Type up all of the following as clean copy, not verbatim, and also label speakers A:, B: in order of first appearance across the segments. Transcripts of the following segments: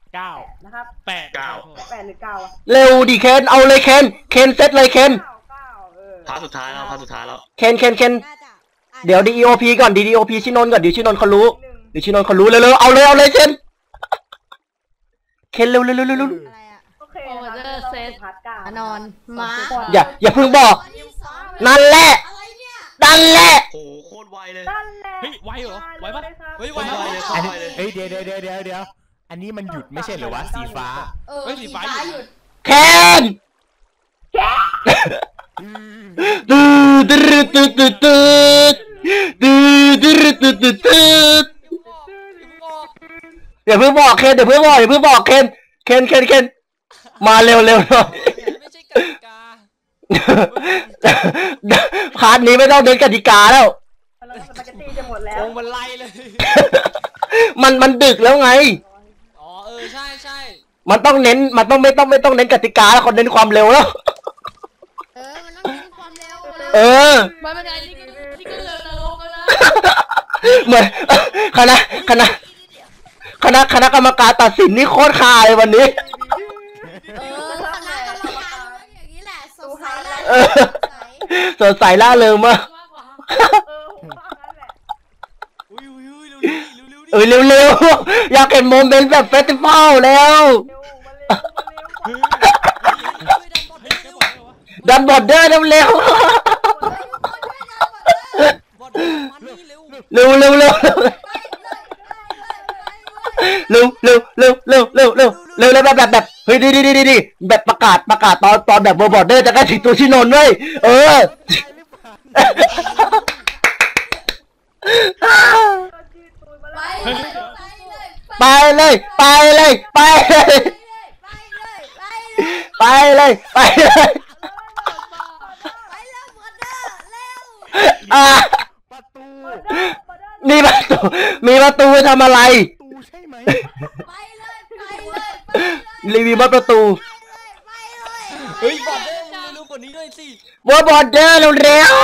A: 9นะครับ8หรือ9
B: เร็วดิเคนเอาเลยเคนเซตเลยเคน
C: พาสุดท้ายแล้ว
B: เคนเดี๋ยว DEOP ก่อน DEOP ชินนท์ก่อนเดี๋ยวชินนท์เขารู้เดี๋ยวชินนท์เขารู้เร็วเอาเลยเคนเร็ว
A: โอเคเซต
D: นอนมา
B: อย่าเพิ่งบอกนั่นแหละ
C: โอ้โคตรไวเลย
A: เฮ้ยไวเหรอไวปะ
C: เฮ้ยไวเลย
E: เฮ้ยเดี๋ยวอันนี้มันหยุดไม่ใช่เหรอวะสีฟ้า
A: เฮ้ยสีฟ้าหยุด
B: เคนอย่าเพิ่งบอกเคนมาเร็วหน่อย
F: ไม่ใช่กติกา
B: พาร์ทนี้ไม่ต้องเน้นกติกาแล้ว
A: มันจะตีจะหมดแล้ว
F: มันไล่เลย
B: มันดึกแล้วไง
F: อ๋อใช่
B: มันต้องเน้นไม่ต้องเน้นกติกาแล้วคนเน้นความเร็วแล้ว
D: มันต้องเน้นความเร็ว
A: มันเป็นไงที่ก็เร็วนรกแล้วนะ
B: เหมือนคณะกรรมการตัดสินนี่โคตรคาเลยวันนี้
D: อย่างนี้แหละ
B: สดใสล่าเริงมากเร็วอยากเห็นโมเมนต์แบบเฟสติวัลแล้วดันบอดเดอร์เร็วเร็วแบบเฮ้ยดีแบบประกาศตอนแบบบอดเดอร์จะใกล้ถึงตัวชินนท์ด้วยไปเลยมีประตูทำอะไร
D: ใช่ไหม
B: รีวิวประตู
F: เฮ้ยบอดเดอร์รู้กว่านี้ด้วยสิ
B: บอดเดอร์เร็ว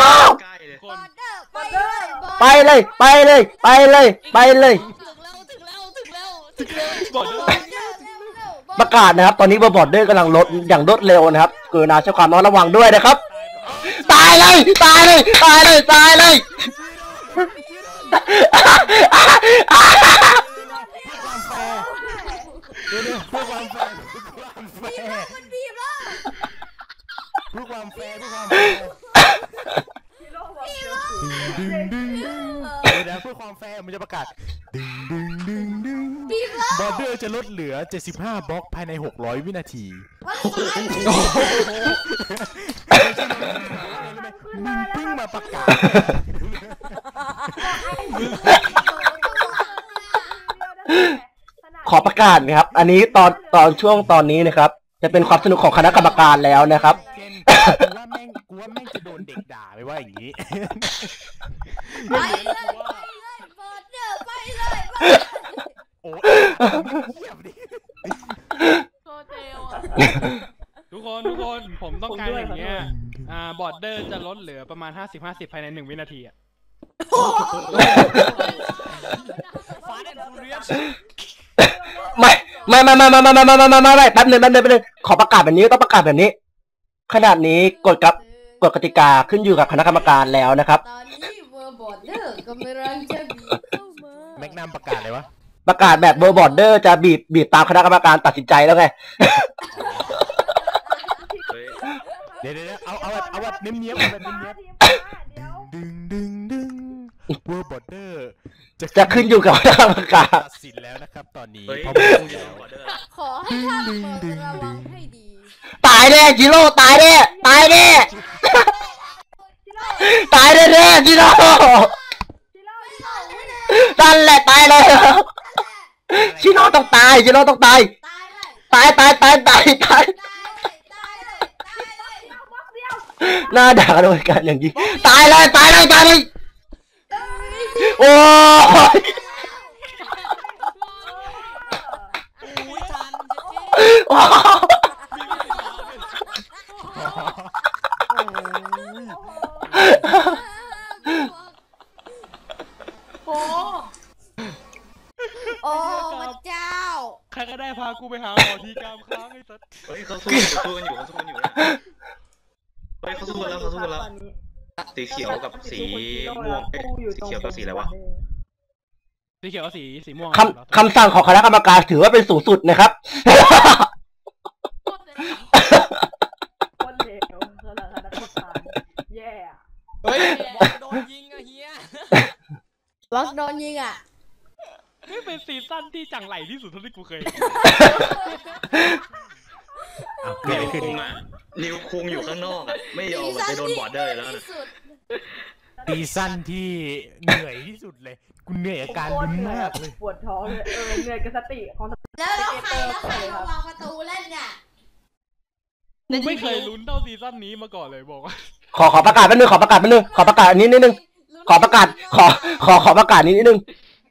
B: ไปเลยประกาศนะครับตอนนี้บอดเดอร์กำลังลดอย่างรวดเร็วนะครับกรุณาใช้ความระวังด้วยนะครับตายเลยเพื่อความแฟร์เพื่อความแฟร์มันจะประกาศบอร์เดอร์จะลดเหลือ75บล็อกภายใน600วินาทีมึงเพิ่งมาประกาศขอประกาศนะครับอันนี้ตอนช่วงตอนนี้นะครับจะเป็นความสนุกของคณะกรรมการแล้วนะครับกูว่าแม่งจะโดนเด็กด่าไปว่าอย่างนี้
D: ไปเลยบอดเดอร์ไปเลย
E: โอ้เงียบดิ
A: ทุกคนผมต้องการอย่างเงี้ยบอร์ดเดอร์จะลดเหลือประมาณ50ภายใน1วินาทีอะไม่แป๊บนึงขอประกาศแบบนี้ต้องประกาศแบบนี้ขนาดนี้กฎกติกาขึ้นอยู่กับคณะกรรมการแล้วนะครับ
D: ตอนนี้บอร์ดเดอร์กำลังจะบีบเข้ามา
E: แม็กนัมประกาศเลยวะ
B: ประกาศแบบบอร์ดเดอร์จะบีบตามคณะกรรมการตัดสินใจแล้วไง
E: เดี๋ยวเอาแบบเนี้ยดึงเวอร์บอร์เดอร์
B: จะขึ้นอยู่กับคณะกรรมการ
E: ตัดสินแล้วนะครับตอนนี้
D: ขอให้ท่านระวังให้ดี
B: ตายแน่จิโร่ตายแน่จิโร่นั่นแหละตายเลยจิโร่ต้องตายหน้าด่าโดยการอย่างนี้ตายเลยโอ้ย
D: โอ้พระเจ้า
F: ใครก็ได้พากูไปหาหมอทีกรรมค้างไอ้สัส
C: เฮ้ยเขาสู้กันอยู่เฮ้ยเขาสู้กันแล้วสีเขียวกับสีม่วงสีเขียวกับสีอะไรวะ
F: สีเขียวกับสีม่วง
A: คำสั่งของคณะกรรมการถือว่าเป็นสูงสุดนะครับ
B: คนเลวสำหรับคณะกรรมการแย่
F: เฮ้ยบอลโดนยิงอะเฮีย
D: ล็อกโดนยิงอ่ะ
F: นี่เป็นซีซั่นที่จังไหลที่สุดเท่าที่กูเคย
C: นิวคุงอ่ะนิวคุงอยู่ข้างนอกอ่ะไม่ยอมไปโดนบอร์เดอร์แล้วนะ
E: ซีซั่นที่เหนื่อยที่สุดเลยกูเหนื่อยกับการลุ้นมากเลย
B: ปวดท้องเลยเหนื่อยกับสติของ
D: แล้วใครมาวางประตูเล่นเนี่ย
F: กูไม่เคยลุ้นเท่าซีซั่นนี้มาก่อนเลยบอกว่า
A: ขอประกาศแป๊บนึงขอประกาศอันนี้นิดนึงขอประกาศนี้นิดนึง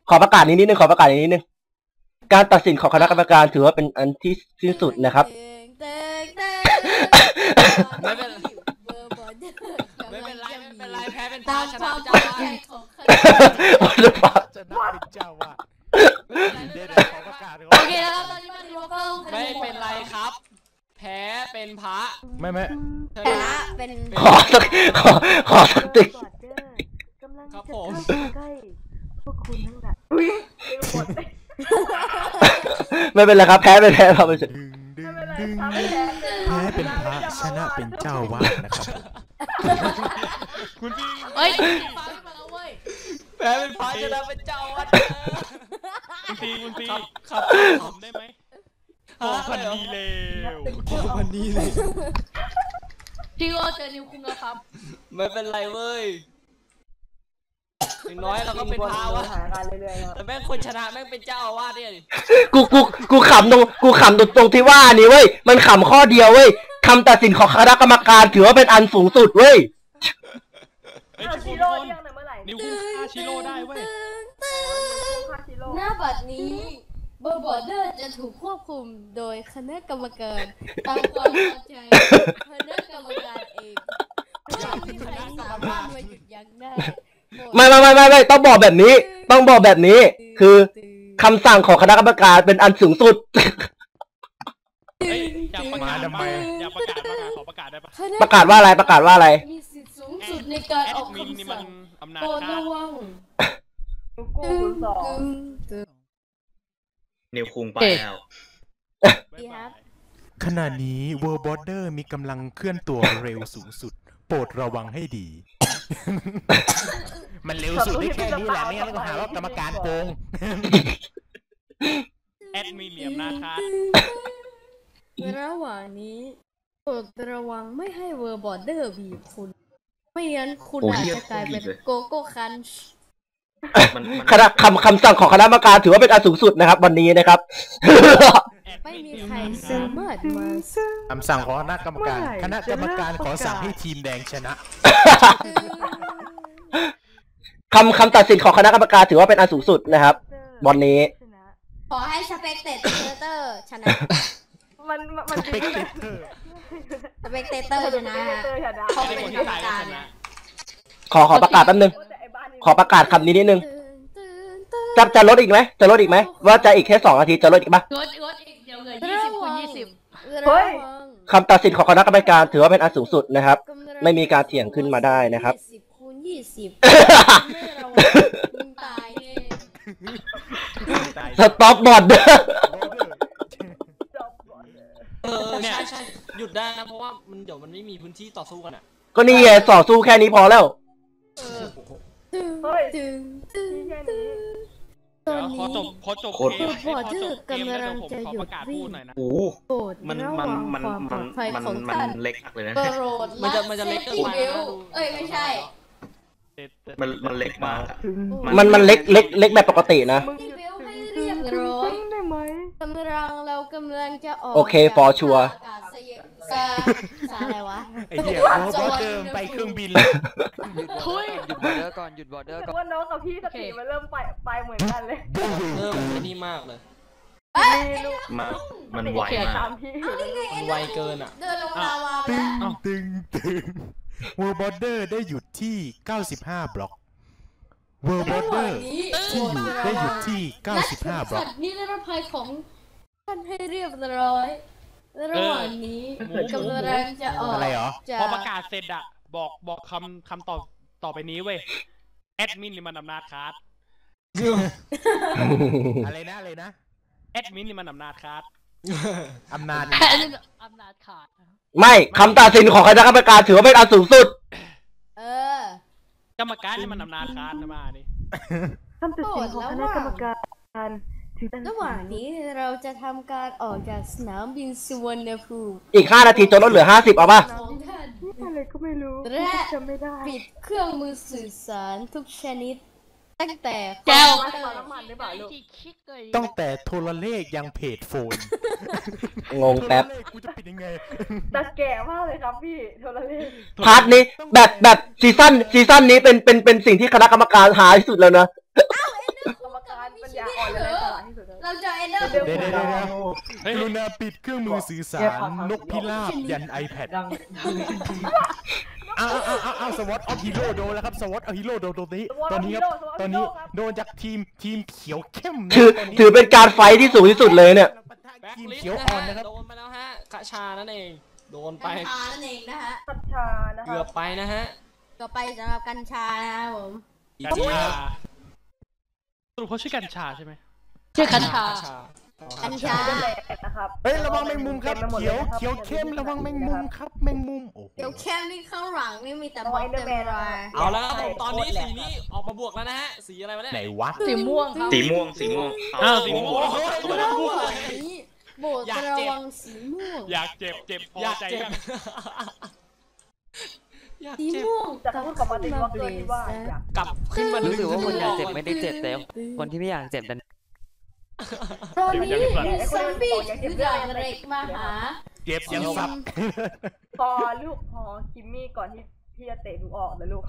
A: การตัดสินของคณะกรรมการถือว่าเป็นอันที่สิ้นสุดนะครับ
F: ไม่เป็นไรแพ้เป็นตาชนะเจ้าว่า
E: จะน่าเป็นเจ้าว่าเดี๋ยวขอประกาศ
D: โอเคแล้วตอนนี้มันรู้ก็
F: ไม่เป็นไรครับ แพ้เป็นพระ
E: ไม่
D: ชนะเป็น
A: ขอสักติ๊ก
F: ครับผม
B: ใกล้พวกคุณทั้งหลายอุ้ยหมดเลย
A: ไม่เป็นไรครับแพ้เราไปเสร็จ
E: ดึงแพ้เป็นพระชนะเป็นเจ้าวาดนะครับ
F: คุณพี่
D: เฮ้ยฟังมาแล้วเว้ย
F: แพ้เป็นพระชนะเป็นเจ้าวัดคุณตีครับผมได้ไหมโอ้พันดีเลวพันดีเลย
D: พี่ก็เจอนิวคุงแล้วครับ
F: ไม่เป็นไรเว้ยอย่างน้อยเราก็เป็นพระวะแต่แม่งคนชนะแม่งเป็นเจ้าอาวาสเนี่ย
A: กูขำตรงที่ว่านี่เว้ยมันขำข้อเดียวเว้ยคำตัดสินของคณะกรรมการถือว่าเป็นอันสูงสุดเว้ย
B: ชิโร่เรียกหน่อยเมื่อไหร่
F: นิวคุงฆ่าชิโร่ได้เว้ย
D: หน้าบัดนี้เบอร์บอร์เดอร์จะถูกควบคุมโดยคณะกรรมการตามความพอใจคณะกรรมการเองไม่มีใครสามารถมาหยุดยั้งได้
A: ไม่ต้องบอกแบบนี้คือคำสั่งของคณะกรรมการเป็นอันสูงสุด
F: อยากประกาศทำไมอยากประกาศขอประกาศได้ปะ
A: ประกาศว่าอะไร
D: มีสิทธิสูงสุดในการออก
F: มินนี่
D: คำ
F: มัน
D: สั่ง
F: อำนาจ
D: โปรด
F: ข้า
D: ระวัง
B: กูสอง
C: นิวคุงไปแล้ว
D: ดีครับ
E: ขณะนี้ World Border มีกำลังเคลื่อนตัวเร็วสูงสุด โปรดระวังให้ดี มันเร็วสุดได้แค่นี้แหละไม่งั้นก็หาว่ากรรมการโกง
F: แอดมินมีอำนาจข้า
D: ระหว่างนี้โปรดระวังไม่ให้เวอร์บอร์เดอร์บีบคุณ ไม่งั้นคุณอาจจะกลายเป็นโกโก้คันช์
A: คำสั่งของคณะกรรมการถือว่าเป็นอันสูงสุดนะครับ วันนี้นะครับ
D: ไม่มีใครสามารถมา
E: คำสั่งของคณะกรรมการขอสั่งให้ทีมแดงชนะ
A: คำตัดสินของคณะกรรมการถือว่าเป็นอันสูงสุดนะครับวันนี้
D: ขอให้สเปกเตเตอร์ชนะ
B: มัน
E: สเปกเตอร์
D: สเปกเตอร์ชนะเขา
F: ไม่
D: เป็
F: ได้
D: น
F: คน
D: กร
F: ที่
D: รม
F: ตาย
D: การ
F: ชนะ
A: ขอประกาศแป๊บนึงขอประกาศคำนี้นิดนึงจะลดอีกไหมว่าจะอีกแค่2 นาทีจะลดอีกปะ
D: งดอีกเดี๋ยวเหลือ20 คูณ 20
B: เฮ้ย
A: คำตัดสินของคณะกรรมการถือว่าเป็นอันสูงสุดนะครับ ไม่มีการเถียงขึ้นมาได้นะครับ
D: 20 คูณ 20ไม่ระวังมึงตายแน่
A: สต็อปบอร์ดเด้อ
F: ใช่หยุดได้นะเพราะว่ามันเดี๋ยวมันไม่มีพื้นที่ต่อสู้กันอ่ะ
A: ก็นี่ไงต่อสู้แค่นี้พอแล้ว
B: เฮ้ย
D: ตึง
B: แค่นี้
D: ตอน
F: พอ
D: นี้
F: จบเกมแล้วผมขอประกาศพูดหน่อยนะ
C: โอ้
D: โปรด
C: มัน
D: ระวังความปลอดภัยของท่าน
C: เล็กมากเลยนะ
D: โปรด
F: มันจะเล็กเกินไป
D: เอ้ยไม่ใช่
C: มันเล็กมากอะ
A: มันเล็กแบบปกตินะ
D: ที่เบลให้เรียบร้อย
B: ได้ไหม
D: กำลังจะออก
A: โอเค for sure
D: สอะไรวะ
E: ไอ้เหี้ย World Border ไปเครื่องบินเลย
G: หยุดบอร์เดอร์ก่อนหยุดบอร์เดอร์ก่อน
B: ว่าน้องกับพี่สติมันเริ่มไปเหมือนกันเลย
F: เริ่มไอ้นี่มากเลย
C: มันไวมาก
B: ตามพี่
F: มันไวเกินอ่ะ
D: เดินลงลาวาไป
E: ตึ
D: แล้ว
E: งWorld Border ได้หยุดที่95 บล็อก World Border ที่ได้หยุดที่95 บล็อก
D: สัตว์นิรภัยของท่านให้เรียบร้อยระหว่างนี้กำลังจะออก
E: อะไรเหรอ
D: จาก
F: พอประกาศเสร็จอะบอกคำต่อไปนี้เว้ยแอดมินนี่มันอำนาจขาด
E: อะไรนะ
F: แอดมินนี่มันอำนาจขาด
E: อำนาจ
H: อำนาจขาด
A: ไม่คำตัดสินของคณะกรรมการถือว่าเป็นอันสูงสุด
D: เออก
F: รรมการนี่มันอำนาจขาดนะมาดิ
I: คำตัดสินของคณะกรรมการถือเป็น
D: ระหว่างนี้เราจะทำการออกจากสนามบินสุวรรณภูมิ
A: อีก5 นาทีจนลดเหลือ50เอาป่ะ
D: ของท่าน
I: อะไรก็ไม่รู้
D: และ
I: จำไม่ได้
D: ปิดเครื่องมือสื่อสารทุกชนิด ตั้งแต่
H: แก้ว
I: มาต่อน้ำมันหรือเปล่าลูก
H: ที่คิดเลย
E: ตั้งแต่โทรเลขยังเพจโฟน
A: งงแป๊บ
E: โทรเลขกูจะปิดยังไง
I: แต่แก่มากเลยครับพี่โทรเลข
A: พาร์ทนี้แบบซีซั่นนี้เป็นสิ่งที่คณะกรรมการหาที่สุดแล้วนะ
I: กรรมการปัญญาอ่อนและไร้สาระที่สุดเลย
D: เราจะเอ็นเดอร์
E: เดี๋ยวกรุณาปิดเครื่องมือสื่อสารนกพิราบยัน iPad อ้าวสวอตเอาฮีโร่โดนแล้วครับสวอตเอาฮีโร่โดนตอนนี้ครับตอนนี้โดนจากทีมเขียวเข้ม
A: ถือเป็นการไฟท์ที่สูงที่สุดเลยเนี่ย
F: แบ็ค
E: ทีม
F: ลิส
E: เขียว
F: ต์นะ
E: อ่อน
F: ฮะ
E: นะครับ
F: โดนไปแล้วฮะกระชานั่นเองโดนไป
D: กัญชานั่นเองนะฮะ
I: กัญชานะค
F: เกื
I: รั
F: อ
I: บบ
F: ไปนะฮะ
D: ต่อไปสำหรับกัญชานะครับผม
F: กัญชาสรุปเขาชื่อกัญชาใช่ไหม
H: ชื่อกัญชา
D: กัญชา
I: เป็นแหลกนะครับ
E: เฮ้ยระวังแมงมุมครับ
I: ต็ไปหด
E: เขียว
I: ลนะครับ
E: เขียวเข้มระวังแมงมุมครับแมงมุมโอ้โห
D: เดี๋ยวแค่นี้ข้างหลังนี่มีแต่บอล
I: เอาไว้เด
D: เต็
I: อะ
D: ม
I: แมน
D: ราย
F: เอาแล้วครับผมตอนนี้สีนี้ออกมาบวกแล้วนะฮะสีอะไรวะเนี่ย
E: ไหนวะ
H: สีม่วงครับ
C: สีม่วง
F: อ้าวสีม่วง
D: ระหว่างนี้โบดระวังสีม่วง
F: อยากเจ็บพอ
H: อยาก
F: ใจ
H: เจ็บ
F: ยังอยาก
D: สี
F: เจ็บ
D: ม่วง
I: จะพูดกับมาตินว่าเกินที่ว่าอยาก
F: กลับขึ้นมา
G: รู้สึกว่าคนอยากเจ็บ
F: ไม่
G: ไม่ได้เจ็บแต่คนที่ไม่อยากเจ็บดัน
D: ตอนนี้มีซอมบี้ถือดาบเหล็กมาหา
E: เจ็บยังซับ
I: พอลูกพอคิมมี่ก่อนที่พี่จะเตะหนูออกนะลูก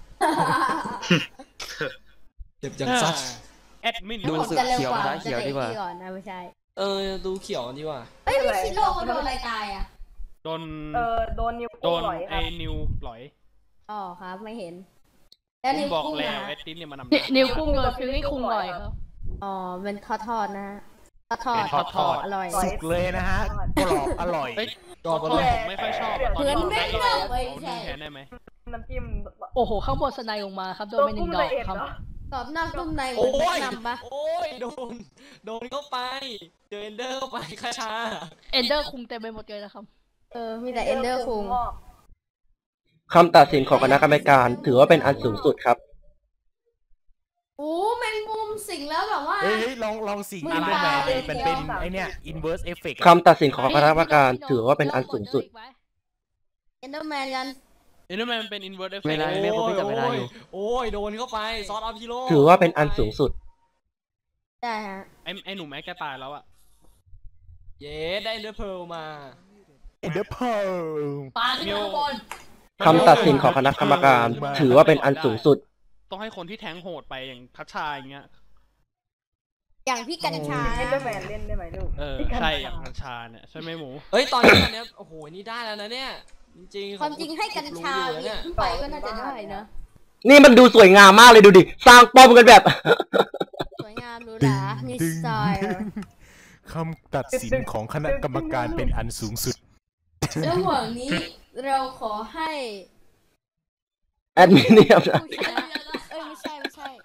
J: เจ็บยังซัด
F: แอดมิน
G: ดูสึกเขียวนะเขียวดีกว่า
D: ก่อนนะไม่ใช่
J: ดูเขียวดีกว่า
D: เอ้ยพี่ชิโร่เขาโดนอะไรตายอ่ะ
F: โดน
I: โดนนิ้ว
F: โด
I: โป้ง
F: น
I: หลอยค
F: ไอ้
I: รับ
F: นิวหลอย
D: อ๋อครับไม่เห็น แล้ว
F: ผ
D: นิ้
F: ม
D: ว
F: บอก
D: กุ้ง
F: แล้ว
D: นะ
F: แอดมินเนี่ยมันนำ
H: นิ้วกุ้งเลยคือให้คุงลอยครับ
D: อ๋อเป็นทอดๆนะฮะทอด
F: ทอด
D: อร่อย
E: สุกเลยนะฮะกรอบอร่อย
F: เฮ้ย
J: กรอบอ
F: ต
J: ร่
F: อ
J: อน ย
F: ผมไม่ค่อยชอบตอนนี้ผมได้ก็เอาดูแทนได้ไหม
I: น้ำจิ้ม
H: โอ้โห ข้างบนสไนลงมาครับโดนไปหนึ่งดอกครับ
D: กรอบนอกนุ่มในเหมื
J: โอ้
D: อนแนะ
J: ย
D: นำปะ
J: โอ้ยโดนเข้าไปเจอเอนเดอร์เข้าไปคาชา
H: เอนเดอร์คุงเต็มไปหมดเลยนะครับ
D: มีแต่เอนเดอร์คุง
A: คำตัดสินของคณะกรรมการถือว่าเป็นอันสูงสุดครับ
D: โอ้แมงมุมสิงแล้วแบบว่า
E: เฮ้ยลองสิ่งอันด้วยแมนเป็นไอเนี้ย inverse effect
A: คำตัดสินของคณะกรรมการถือว่าเป็นอันสูงสุด
D: เอนเดอร์แมนกัน
F: เอ็นเดอร์แมนเป็นอินเวอร์สเอฟเฟ
G: เว
F: กต์
G: ลาไม่ครบไม่จับเวลาอยู่
J: โอ้ยโดนเข้าไปซอสอัพฮีโร่
A: ถือว่าเป็นอันสูงสุด
D: ได้ฮะ
F: ไอ้หนุ่มแม็กแกตายแล้วอะ
J: เย้ได้เอนเดอร์เพลมา
E: Ender Pearl
H: ปาขึ้นข้างบน
A: คำตัดสินของคณะกรรมการถือว่าเป็นอันสูงสุด
F: ต้องให้คนที่แทงโหดไปอย่างทัชชาอย่างเงี้ย
D: อย่างพี่กัญชา
I: เอนเดอร์แมนเล่นได้ไหมลูก
F: ใช่อย่างทัชชาเนี่ยใช่ไหมหมู
J: เฮ้ยตอนนี้โอ้โหนี่ได้แล้วนะเนี่ยจริงๆ
D: ความจริงให้กัญชา
J: รู้อยู่
D: เหยีย
J: เนี่
D: บ
J: ย
D: ขึ้นไปก็น่าจะได้นะ
A: นี่มันดูสวยงามมากเลยดูดิ สร้างป้อมกันแบบ
D: สวยงามหรูหรามีสไตล์
E: คำตัดสินของคณะกรรมการเป็นอันสูงสุด
D: ระหว่างนี้เราขอให้
A: แอดมินเนี่ยนะ
D: ผู้ชนะไม่ใช่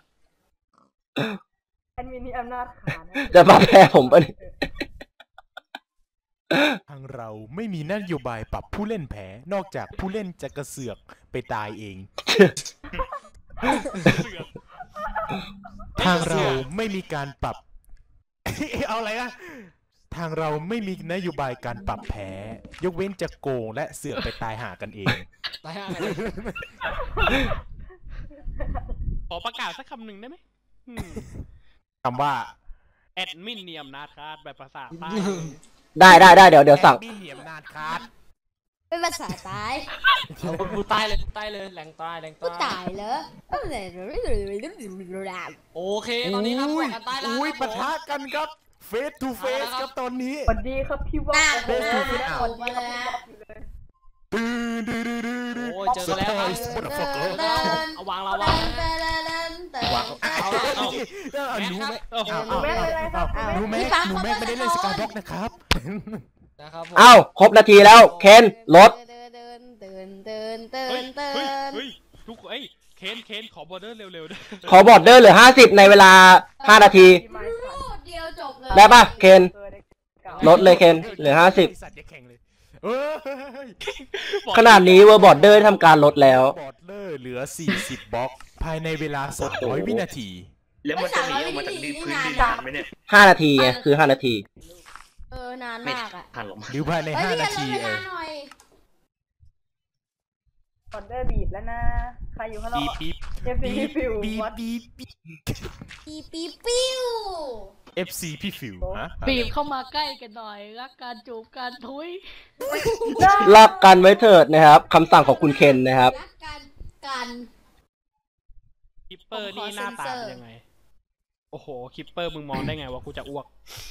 I: แอดมินนี่อำนาจขาดนะ
A: จะมาแพ้ผมปะเนี่ย
E: ทางเราไม่มีนโยบายปรับผู้เล่นแพ้ นอกจากผู้เล่นจะกระเสือกไปตายเอง ทางเราไม่มีการปรับ เอาอะไรนะทางเราไม่มีนโยบายการปรับแพ้ ยกเว้นจะโกงและเสือกไปตายหากันเอง
J: ตายห่า
F: ขอประกาศสักคำหนึ่งได้ไหม
E: คำว่า
F: แอดมินเนียมนาคาดแบบภาษาใต้
A: ได้เดี๋ยวสั่ง
E: มีเหนียมนานคาด
D: เป็นภาษาตาย
J: เอากูตายเลยแหลงตาย
D: ก็ตายเหรอ
J: โอเคตอนนี้ครับบอกกันตายแล้ว
E: อุ้ย
J: ครับ
E: ปะทะกันครับ face to face ครับตอนนี้
I: สวัสดีครับพี่ว่า
E: เฟซบุ๊กไม่เอา
D: มาเลยฮะ
J: โอ้ยเจอแล้วครับเอาวางเราวางนะ
E: วางเอาหนูแม็กหนูแม็กไม่ได้เล่นสกายบ็อกนะครับ
J: นะครับผม
A: เอ้าครบนาทีแล้วเคนรถ
F: เฮ้ยทุกเอ้ยเคนขอบอร์เดอร์เร็วๆด้วย
A: ขอบอร์เดอร์เหลือ50ในเวลา5นาที
D: เดียวจบเลย
A: ได้ป่ะเคนลดเลยเคนเหลือ50ขนาดนี้เวอร์บอร์เดอร์ทำการลดแล้ว
E: บอร์เดอร์เหลือ40บล็อกภายในเวลา200วินาที
C: แล้วมันจะหนีออกมาจากพื้นดินนานไหมเนี่ย
A: 5นาทีไงคือ5นาที
D: นานมากอ่ะ
C: ทันหรอ
E: หรือภายใน5นาที
I: บอร์เดอร์บีบแล้วนะใครอยู่ข้างนอก
E: ปี๊บ
I: FC ฟิว
E: ปี๊บ
I: วัด
E: ปี๊บ
D: ปิ้ว
E: FC พี่ฟิวฮะ
H: บีบเข้ามาใกล้กันหน่อยรักการจูบการทุย
A: รักกันไว้เถิดนะครับคำสั่งของคุณเคนนะครับ
D: รักกัน
F: คิปเปอร์นี่หน้าตาเป็นยังไงโอ้โหคิปเปอร์มึงมองได้ไงว่ากูจะอ้วก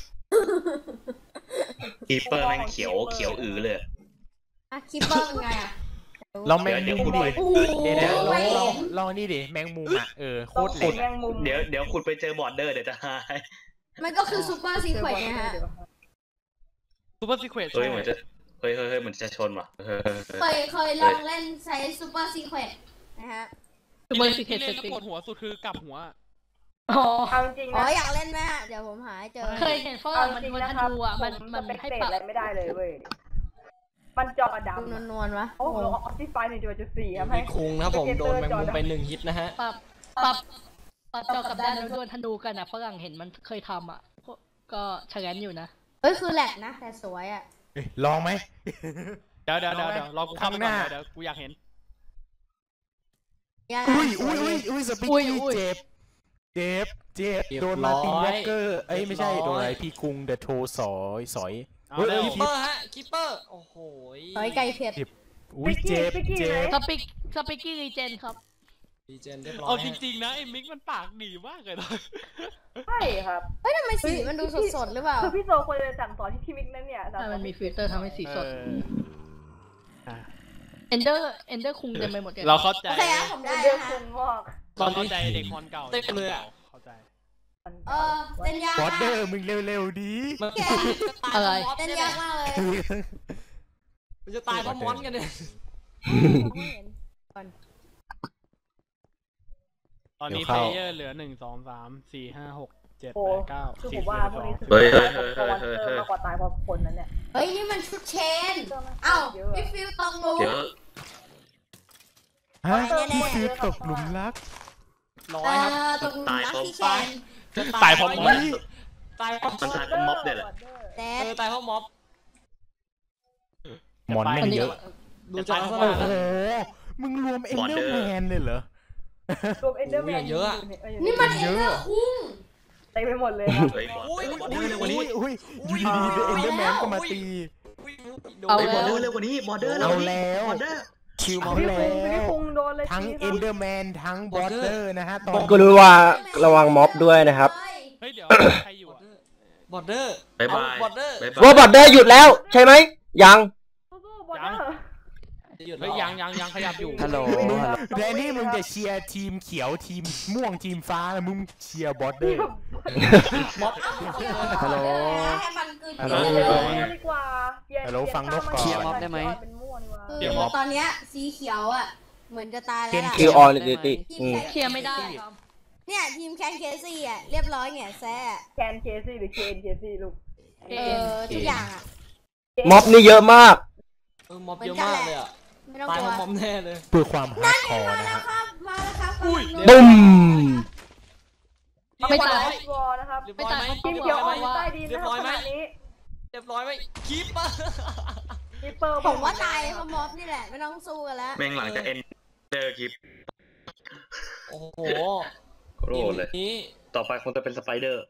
C: คีเปอร์แม่งเขียวเลย
D: คิปเปอร์ไงอ่ะ
E: เราแมงมุมดิ
D: โอ้โห
E: เดี๋ยวลองนี่ดิแมงมุมอ่ะโคตรเหล็ก
I: แมงมุม
C: เดี๋ยวคุณไปเจอบอร์เดอร์เดี๋ยวจะหาย
D: มันก็คือซูเปอร์ซีเควนต์นะฮะ
F: ซูเปอร์ซีเควนต์
C: เฮ้ยเหมือนจะเหมือนจะชนว่ะ
D: เคยลองเล่นใช้ซูเปอร์ซีเควนต์นะฮะ
H: ซูเปอร์ซีเค
F: ที่
H: วน
F: เล่น
H: ต์
F: แล้วปวดหัวสุดคือกลับหัว
H: อ๋อ
I: เอาจริง
D: อ๋อ
I: นะ
D: อยากเล่นไหมฮะเดี๋ยวผมหาให้เจอ
H: เคยเห็นฝรั่งมันธนูอ่ะมัน
I: เป็น
H: ให้
I: เศษ
H: ปรับ
I: อะไรไม่ได้เลยเว้ยมันจอดำ
D: ดูนวลๆวะ
I: โอ้โหออฟฟิศไฟ1.4ครับให้
J: พี่คุงนะครับผมโดนแมงมุมไป1 ฮิตนะฮะ
H: ปรับจอกับด้านแล้วโดนธนูกันอ่ะฝรั่งเห็นมันเคยทำอ่ะก็ชะงันอยู่นะ
D: เอ้ยคือแหลกนะแต่สวยอ่ะ
E: ลองไหม
F: เดี๋ยวรอกูเข้าไปก่อนเดี๋ยวกูอยากเห็น
E: อุ้ยสปิกกี้เจ็บโดนมาตินแวกเกอร์ไม่ใช่โดนอะไรพี่คุงเดอะโทสอย
F: เอาเร็ว
J: คิปเปอร์ฮะคิปเปอร์โอ้โห
D: สวยไก่เผ็ด
E: อุ้ยเจ็บ
H: สปิกกี้รีเจนครับ
J: ดีเจนเรียบร้อย
F: เอาจริงๆนะไอ้มิกมันปากดีมากเลยนะ
I: ใช่ครับ
D: เฮ้ยทำไมสีมันดูสดๆหรือเปล่า
I: คือพี่โซควรจะสั่งสอนที่พี่มิกนั่นเนี่ย
H: มันมีฟิลเตอร์ทำให้สีสดเอนเดอร์คุงเต็มไปหมดเลย
F: เราเข้าใจ
D: โอเคครับผมได้
I: เดือด
D: นะ
I: คุ
D: ฮะ
I: งงอก
F: เราเข้าใจเด็กคอนเก่า
J: เต็มเลยอ่ะ
F: เข้าใจ
D: เต้นยาก
E: บอร์เดอ
D: มาก
E: ร์มึงเร็วๆดี
H: อะไร
D: เต้นยากมากเลย
J: มันจะตายเพราะมอนกันเนี่ย
F: ตอนนี้เพลเยอร์เหลือ1 2 3 4 5 6 7
I: โอ้
F: 8 9
I: คือผ
F: 10
I: มว่าพวกนี้
C: เฮ้ย
I: มากกว่าตายเพราะคนนั้นเนี่ย
D: เฮ้ยนี่มันชุดเชนเอ้าพี่ฟิวตรงนู้น
C: เดี๋ยว
E: ฮะพี่ฟิวตกหลุมรัก
J: ร้อยครับ
D: ตรงนู้นนะพี่แคน
F: ตายเพราะมอน
J: ตายเพราะ
C: มันตายเป็นม็อบเนี่ยแหละ
D: แต่
J: ตายเพราะม็อบ
E: มอนแม่งเยอะ
J: ดูจากลักษ
E: โอ้
J: ณะ
E: โหมึงรวมเอ็นเดอร์แมนเลยเหรอ
I: รวมเอ็นเดอร์แมน
J: เยอะอะ
D: นี่มันเอ็นเดอร์คุ้ง
I: เต็มไปหมดเลยครับ
C: เฮ้ยบอร์เดอร์เร็วกว่านี้
E: อุ้ยอยู่ดีๆเอ็นเดอร์แมนก็มาตี
H: เอา
C: บอ
H: แล้
C: ร์
H: ว
C: เดอร์เร็วกว่านี้บอร์เดอร์
E: เอาแล้ว
C: บอร์เดอร์
E: คิวมา
I: พี่
E: แล้
I: คุง
E: ว
I: โดนเลย
E: ทั้งเอ็นเดอร์แมนทั้งบอร์เดอร์นะฮะตอน
A: ก็รู้ว่าระวังม็อบด้วยนะครับ
F: เฮ้ยเดี๋ยวใครอยู่อ่ะ
J: บอร์เดอร์
C: บ๊ายบาย
J: บอร์เดอร์
A: เวอร์บอร์เดอร์หยุดแล้วใช่ไหมยัง
I: สู้ๆบอลเดอร์
F: เฮ้ยยังขยับอยู่
G: ฮัลโหล
E: แดนนี่มึงจะเชียร์ทีมเขียวทีมม่วงทีมฟ้าแล้วมึงเชียร์บอร์เดอร์
G: ฮัลโหล
D: ให้มันคือ
E: ฮัลโหล
I: ดีกว่า
E: ฮัลโหลฟังนกก่อน
G: เคลียร์ม็อบได้ไหม
I: เป็นม่วงดีกว่า
D: คือตอนเนี้ยสีเขียวอ่ะเหมือนจะตายแล้วล่ะ
A: คิวออนดิติ
H: เคลียร์ไม่ได้ครับ
D: เนี่ยทีมแคนเคซี่อ่ะเรียบร้อยเนี่ยแซ่
I: แคนเคซี่หรือเคนเคซี่ลูก
D: ทุกอย่างอ่ะ
A: ม็อบนี่เยอะมาก
J: ม็อบเยอะมากเลยอ่ะ
D: ไม่ต้อง
J: ตาย
D: กลั
J: เพ
D: ว
J: ราะม็อบแน่เลย
E: เพื่อความฮาร์ดคอร์นะฮะ
D: มาแล้วครับ
A: บุ้ม
H: ไม่ตาย
I: วอลนะครับ
H: ไม่ตาย
I: ทีมเขียวออกอยู่ใต้ดินนะครับขณะนี้
J: เรียบร้อยไหมคีปเปอร์
I: คิปเปอร์
D: ผมว่าตายเพราะม็อบนี่แหละไม่ต้องสู้กันแล้ว
C: แม่งหลังจากเอ็นเดอร์คลิป
J: โอ้โห
C: โรดเลย
J: นี้
C: ต่อไปคงจะเป็นสไปเดอร์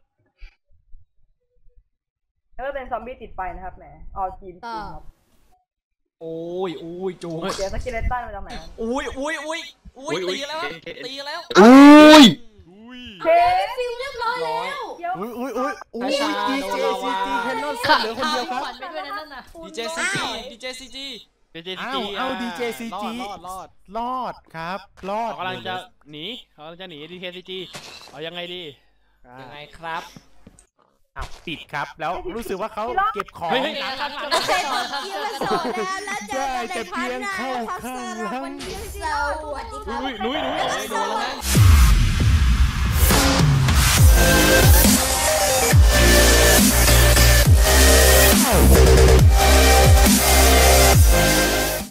I: แล้วก็เป็นซอมบี้ติดไฟนะครับแหมออทีม
J: โอ้ยจูง
I: เดี๋ยวสกิเลตันมาจากไหน
J: อุ้ยตีแล้วตีแล้ว
A: อุ้ย
I: เชฟ
D: ฟิวเรียบร้อยแล้ว
E: อุ้ยดีเจซีจีแคนนอนเหลือคนเดียวครับ
H: ขวัญไปด้วยนั่นน่ะ
J: ดีเจซีจี
E: เอา DJCG รอดครับรอด
F: เขากำลังจะหนีDKCG เอายังไงดียังไงครับ
E: ติดครับแล้วรู้สึกว่าเขาเก็บของ
D: ได้แต่เพียงเข้าข้างหลังสวัสดีครับ
F: หนุ่ยโดนแล้วนะ